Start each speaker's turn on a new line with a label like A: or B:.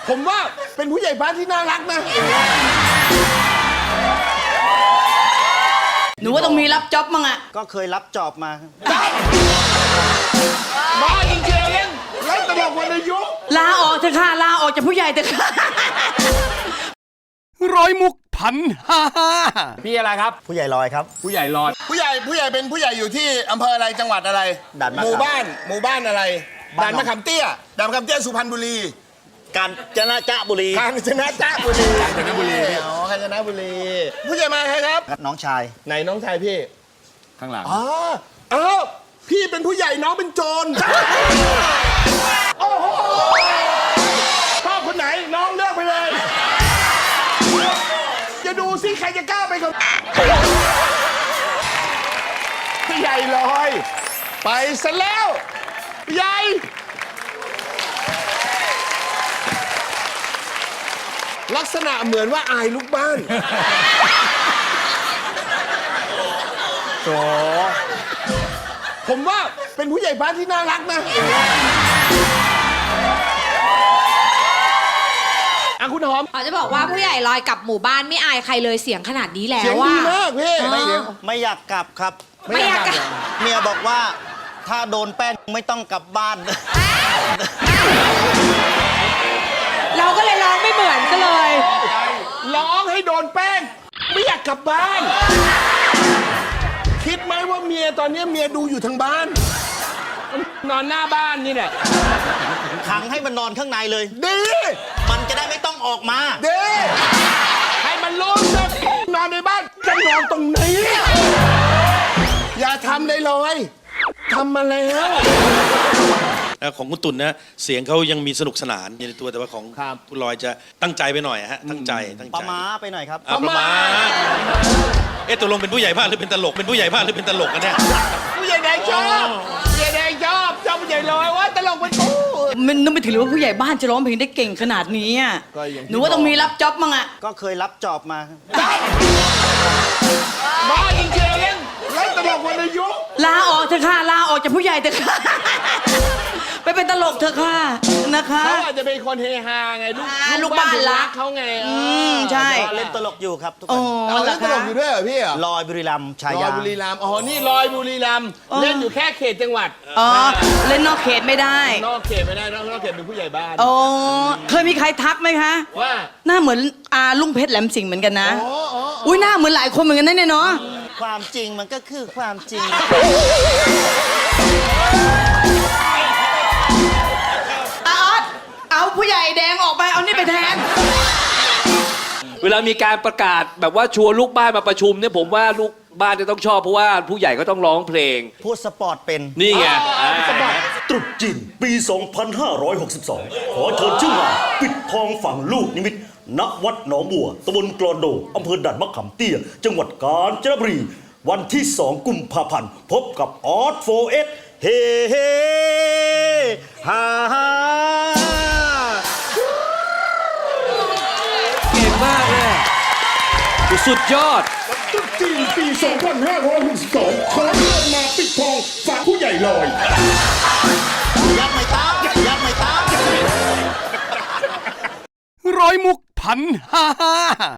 A: ผมว่าเป็นผู้ใหญ่บ้านที่น่ารักนะ
B: หนูว่าต้องมีรับจ็อบมั้งอะ
C: ก็เคยรับจอบมา
A: บ้าจริงๆแล้วตลกวรรณยุกต์
B: ลาออกเถอะค่ะลาออกจากผู้ใหญ่เถอะค่ะ
D: ร้อยมุกพันห้า
A: พี่อะไรครับ
C: ผู้ใหญ่ลอยครับ
A: ผู้ใหญ่รอดผู้ใหญ่เป็นผู้ใหญ่อยู่ที่อำเภออะไรจังหวัดอะไร
C: ด่านมะขาม
A: หมู่บ้านอะไร
C: บ้า
A: ด่าน น
C: หนอง
A: มะขามเตี้ยด่านมะขามเตี้ยสุพรรณบุรี
C: กาญจนบุรี
A: กาญจนบุรีอ๋อกาญจนบุรี ผู้ใหญ่มาใครครับ
C: น้องชาย
A: ไหนน้องชายพี่
D: ข้างหลัง
A: อ๋ออ้าวพี่เป็นผู้ใหญ่น้องเป็นโจรโอ้โหชอบคนไหนน้องเลือกไปเลยจะดูสิใครจะกล้าไปกับผู้ใหญ่ลอยไปซะแล้วผู้ใหญ่ลักษณะเหมือนว่าอายลูกบ้านโถผมว่าเป็นผู้ใหญ่บ้านที่น่ารักนะอ่ะคุณหอม
E: เขาจะบอกว่าผู้ใหญ่ลอยกับหมู่บ้านไม่อายใครเลยเสียงขนาดนี้แล้
A: เสียง
E: ว
A: ดี
E: ว่า
A: มากพี่
C: ไม่อยากกลับครับ
E: ไม่อยากกลับ
C: เมียบอกว่าถ้าโดนแป้งไม่ต้องกลับบ้าน
E: เราก็เลยร้องไม่เหมือนกันเลย
A: ร้องให้โดนแป้ง ไม่อยากกลับบ้าน คิดไหมว่าเมียตอนนี้เมียดูอยู่ทางบ้าน นอนหน้าบ้านนี่แหละ
C: ขังให้มันนอนข้างในเลย
A: ดี
C: มันจะได้ไม่ต้องออกมา
A: ดีให้มันรู้ว่านอนในบ้านจะนอนตรงนี้ อย่าทำเลยเลยทำมาแล้ว
F: ของคุณตุ่นนะเสียงเขายังมีสนุกสนานอยู่ในตัวแต่ว่าของ
A: ครับ
F: คุณลอยจะตั้งใจไปหน่อยฮะตั้งใจ
C: ประม้าไปหน่อยครับ
F: ประมาณตกลงเป็นผู้ใหญ่บ้านหรือเป็นตลกเป็นผู้ใหญ่บ้านหรือเป็นตลกกันเนี่ย
A: ผู้ใหญ่แดงชอบผู้ใหญ่แดงชอบผู้ใหญ่ลอยว่าตลกเป็นกู
B: มันนึกไม่ถึงเลยว่าผู้ใหญ่บ้านจะร้องเพลงได้เก่งขนาดนี้อะ
A: ก็อย่างที่
B: หนูว่าต้องมีรับจ็อบมั้งอะ
C: ก็เคยรับจอบมา
A: บ้าจริงๆแล้วตลกวรรณยุกต์
B: ลาออกเถอะค่ะลาออกจากผู้ใหญ่เถอะค่ะ ไปเป็นตลกเถอะค่ะนะคะ
A: เขาอาจจะเป็นคนเฮฮาไงลูกบ้านรักเขาไง
B: ใช่
C: เล่นตลกอยู่ครับทุกค
B: โอ้
C: น
A: เอา
B: เหร
A: เล่
B: อน
A: ตล
B: คะ
A: กอยู่ด้วยเหรอพี่เหรอ
C: ลอยบุรีรัมย์ชา
A: ล
C: ยา
A: อยบุรีรัมย์อ๋อนี่ลอยบุรีรัมย์เล่นอยู่แค่เขตจังหวัด
B: อ๋อเล่นนอกเขตไม่ได้
A: นอกเขตไม่ได้นอกเขตเป็นผู้ใหญ่บ้าน
B: โอ้เคยมีใครทักไหมคะ
A: ว่า
B: หน้าเหมือนอาลุงเพชรแหลมสิงห์เหมือนกันนะ
A: อ๋อ
B: อุ้ยหน้าเหมือนหลายคนเหมือนกันนะเนี่ยเนาะ
C: ความจริงมันก็คือความจริง
B: อาออสเอาผู้ใหญ่แดงออกไปเอานี่ไปแทน
G: เวลามีการประกาศแบบว่าชวนลูกบ้านมาประชุมเนี่ยผมว่าลูกบ้านจะต้องชอบเพราะว่าผู้ใหญ่ก็ต้องร้องเพลง
C: พูดสปอร์ตเป็น
G: นี่ไง
H: ตรุษจีนปี 2562 ขอเชิญชื่องานปิดทองฝังลูกนิมิตณวัดหนองบัวตำบลกลอนโดอำเภอด่านมะขามเตี้ย จังหวัดกาญจนบุรี วันที่ 2 กุมภาพันธ์ พบกับออสโฟเอสเฮเฮฮ่าฮ่า
G: เก่งมากเลยสุดยอด
A: ตรุษจีนปี 2562 ขอเชิญมาปิดทองฝากผู้ใหญ่ลอย
C: ยักไม่ตามยักไม่ตาม
D: ร้อยมุกพันห้า